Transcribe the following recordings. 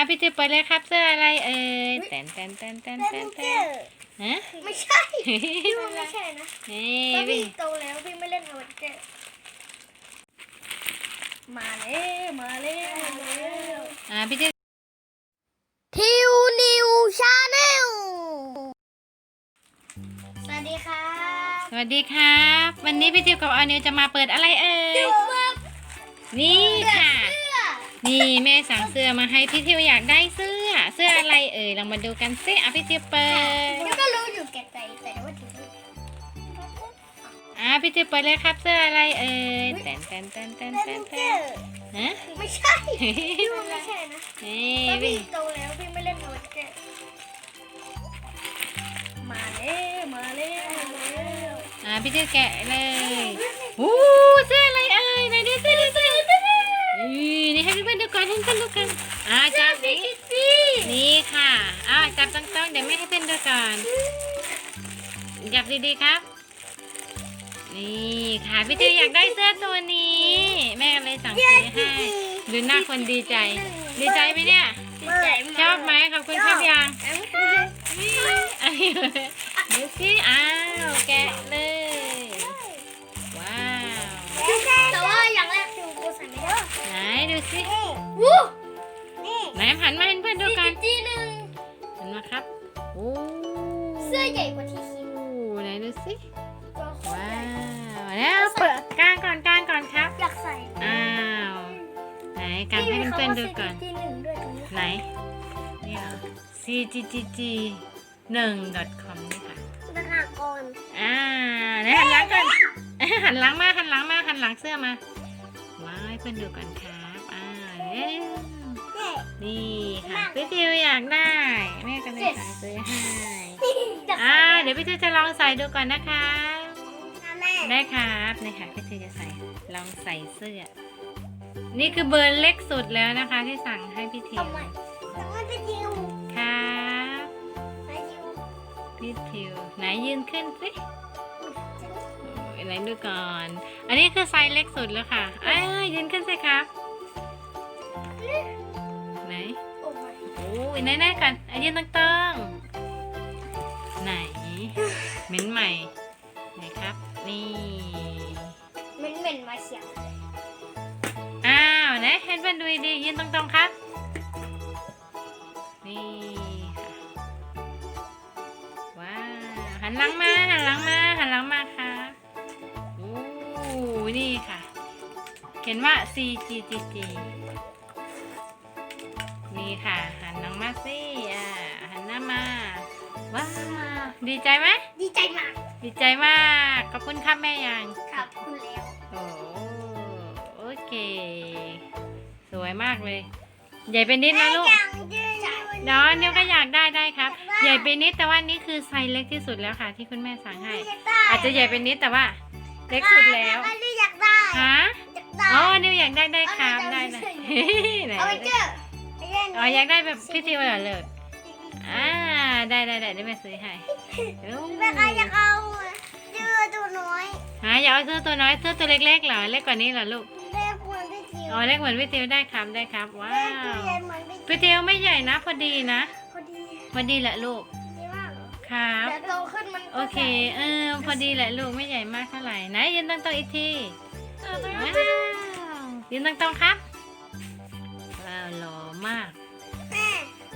พี่จิ๋วเปิดเลยครับเสื้ออะไรเอ่ยแตนฮะไม่ใช่พี่ว่าไม่ใช่นะนี่ถ้าพี่พี่โตแล้วพี่ไม่เล่นอเวนเจอร์มาแล้วพี่จิ๋วทิวนิวชาแนลสวัสดีครับสวัสดีครับวันนี้พี่จิ๋วกับออนิวจะมาเปิดอะไรเอ่ยนี่ค่ะนี่แม่สั่งเสื้อมาให้พี่จิ๋วอยากได้เสื้ออะไรเอ่ยลองมาดูกันสิพี่จิ๋วเปิดพี่ก็รู้อยู่แก่ใจแต่ว่าถึงพี่จิ๋วเปิดเลยครับเสื้ออะไรเอ่ยแตนฮะไม่ใช่พี่ว่าไม่ใช่นะนี่ถ้าพี่พี่โตแล้วพี่ไม่เล่นอเวนเจอร์มาแล้วพี่จิ๋วแกะเลยเสื้ออะไรเอ่ยไหนดูเสื้อนี่ให้เพื่อนๆดูก่อนจับนี่ค่ะจับต้องเดี๋ยวแม่ให้เพื่อนดูก่อนจับดีๆครับนี่ค่ะพี่จิ๋วอยากได้เสื้อตัวนี้แม่เลยสั่งซื้อให้ดูหน้าคนดีใจไหมเนี่ยดีใจมากชอบไหมขอบคุณครับยังดูสิแกะเลยว้าวแต่ว่าอย่างแรกคือกูใส่ไม่ได้ไหนดูสิวู้นี่ไหนหันมาให้เพื่อนดูกันจีหนึ่งหันมาครับเสื้อใหญ่กว่าที่คิดไหนดูสิตัวโคตรว้าใหญ่วแล้วเปิดกางก่อนครับอยากใส่ไหนกางให้เพื่อนๆดูก่อนจีหนึ่งด้วยตรงนี้ไหนนี่เหรอ cggg1.com นี่ค่ะราคาก่อนไหนหันหลังก่อนหันหลังหันหลังเสื้อมาว้าวให้เพื่อนดูก่อนครับเร็วนี่ค่ะพี่จิ๋วอยากได้แม่ก็เลยสั่งซื้อให้เดี๋ยวพี่จิ๋วจะลองใส่ดูก่อนนะคะได้ครับนี่ค่ะพี่จิ๋วจะลองใส่เสื้อนี่คือเบอร์เล็กสุดแล้วนะคะที่สั่งให้พี่จิ๋วทำไมพี่จิวครับพี่จิ๋วไหนยืนขึ้นสิไหนดูก่อนอันนี้คือไซส์เล็กสุดแล้วค่ะยืนขึ้นสิครับไหน ไหนก่อนยืนต้องไหนเหม็นใหม่ไหนครับนี่เหม็นมาเฉียงไหนให้เพื่อนดูดียืนตรงครับนี่ค่ะว้าวหันหลังมาครับนี่ค่ะเขียนว่า CGGG นี่ค่ะหันน้องมาสิหันหน้ามาว้าวดีใจไหมดีใจมากดีใจมากขอบคุณครับแม่ยังขอบคุณแล้วโอเคสวยมากเลยใหญ่เป็นนิดนะลูกเดี๋ยวนิ้วก็อยากได้ครับใหญ่เป็นนิดแต่ว่านี่คือไซส์เล็กที่สุดแล้วค่ะที่คุณแม่สั่งให้อาจจะใหญ่เป็นนิดแต่ว่าเล็กสุดแล้วนี่อยากได้ฮะนิ้วอยากได้ครับได้ไหนเอาไปเจออยากได้แบบพี่ทิวเหรอเลยได้เดี๋ยวแม่ซื้อให้แม่ใครอยากเอาเสื้อตัวน้อยอยากเอาเสื้อตัวน้อยเสื้อตัวเล็กๆเหรอเล็กกว่านี้เหรอลูกเล็กเหมือนพี่จิวเล็กเหมือนพี่ทิวได้ครับว้าเล็กตัววใหญ่เหมือนพี่พี่ทิวไม่ใหญ่นะพอดีนะพอดีแหละลูกดีมากเหรอครับเดี๋ยวโตขึ้นมันโอเคพอดีแหละลูกไม่ใหญ่มากเท่าไหร่ไหนยืนตรงอีกทีว้าวยืนตรงครับว้าวหล่อมากแม่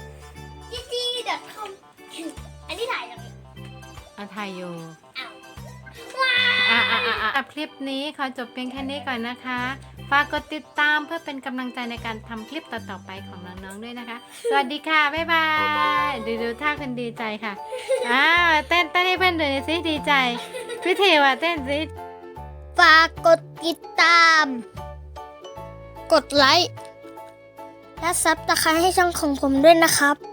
จี.com อันนี้ถ่ายยังไงไทยอยู่ว้าวคลิปนี้ขอจบเพียงแค่นี้ก่อนนะคะ ฝากกดติดตามเพื่อเป็นกำลังใจในการทำคลิปต่อๆไปของน้องๆด้วยนะคะ สวัสดีค่ะ บ๊ายบายดูท่าคนดีใจค่ะเต้นให้เพื่อนดูสิดีใจพี่เทวเต้นสิฝากกดติดตาม กดไลค์และซับสไครต์ให้ช่องของผมด้วยนะครับ